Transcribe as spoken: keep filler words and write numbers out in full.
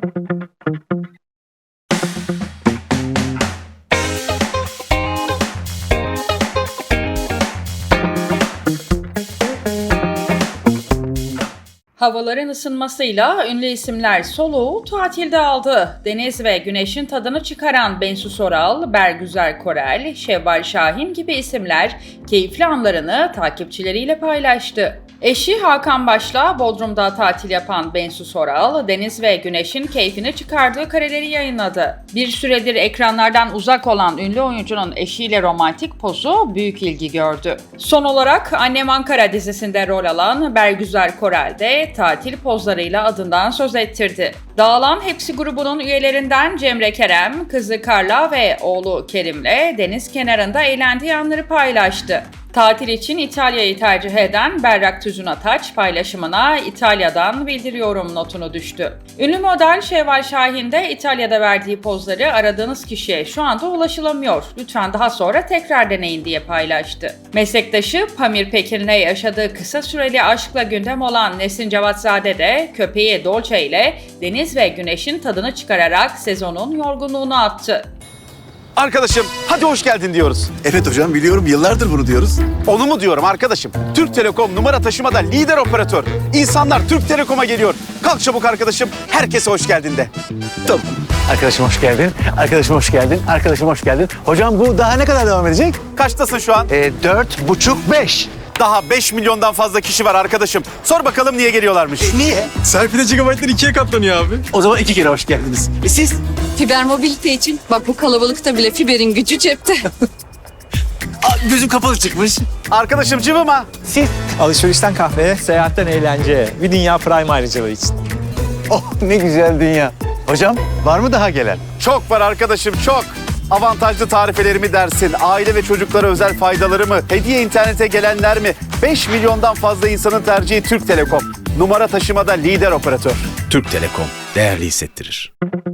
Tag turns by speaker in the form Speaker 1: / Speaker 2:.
Speaker 1: Havaların ısınmasıyla ünlü isimler soluğu tatilde aldı. Deniz ve güneşin tadını çıkaran Bensu Soral, Bergüzar Korel, Şevval Şahin gibi isimler keyifli anlarını takipçileriyle paylaştı. Eşi Hakan Baş'la Bodrum'da tatil yapan Bensu Soral, deniz ve güneşin keyfini çıkardığı kareleri yayınladı. Bir süredir ekranlardan uzak olan ünlü oyuncunun eşiyle romantik pozu büyük ilgi gördü. Son olarak Annem Ankara dizisinde rol alan Bergüzar Korel de tatil pozlarıyla adından söz ettirdi. Dağılan Hepsi grubunun üyelerinden Cemre Kerem, kızı Karla ve oğlu Kerim'le deniz kenarında eğlendiği anları paylaştı. Tatil için İtalya'yı tercih eden Berrak Tüzün Ataç paylaşımına İtalya'dan bildiriyorum notunu düştü. Ünlü model Şevval Şahin de İtalya'da verdiği pozları aradığınız kişiye şu anda ulaşılamıyor. Lütfen daha sonra tekrar deneyin diye paylaştı. Meslektaşı Pamir Pekin'le yaşadığı kısa süreli aşkla gündem olan Nesin Cevatzade de köpeği Dolce ile deniz ve güneşin tadını çıkararak sezonun yorgunluğunu attı.
Speaker 2: Arkadaşım hadi hoş geldin diyoruz.
Speaker 3: Evet hocam biliyorum, yıllardır bunu diyoruz.
Speaker 2: Onu mu diyorum arkadaşım? Türk Telekom numara taşımada lider operatör. İnsanlar Türk Telekom'a geliyor. Kalk çabuk arkadaşım, herkese hoş geldin de.
Speaker 3: Tamam.
Speaker 4: Arkadaşım hoş geldin. Arkadaşım hoş geldin. Arkadaşım hoş geldin. Hocam bu daha ne kadar devam edecek?
Speaker 2: Kaçtasın şu an?
Speaker 4: Ee, dört buçuk beş.
Speaker 2: Daha beş milyondan fazla kişi var arkadaşım. Sor bakalım niye geliyorlarmış?
Speaker 4: Niye?
Speaker 3: Serpil'e gigabaytlar ikiye katlanıyor abi.
Speaker 4: O zaman iki kere hoş geldiniz. E siz?
Speaker 5: Fiber mobilite için bak bu kalabalıkta bile fiberin gücü cepte.
Speaker 4: Aa, gözüm kapalı çıkmış.
Speaker 2: Arkadaşım cıvıma.
Speaker 4: Siz?
Speaker 6: Alışverişten kahveye, seyahatten eğlenceye, bir dünya prime ayrıcalığı için.
Speaker 4: Oh ne güzel dünya. Hocam var mı daha gelen?
Speaker 2: Çok var arkadaşım çok. Avantajlı tarifelerimi dersin, aile ve çocuklara özel faydaları mı, hediye internete gelenler mi? beş milyondan fazla insanın tercihi Türk Telekom. Numara taşımada lider operatör.
Speaker 3: Türk Telekom değerli hissettirir.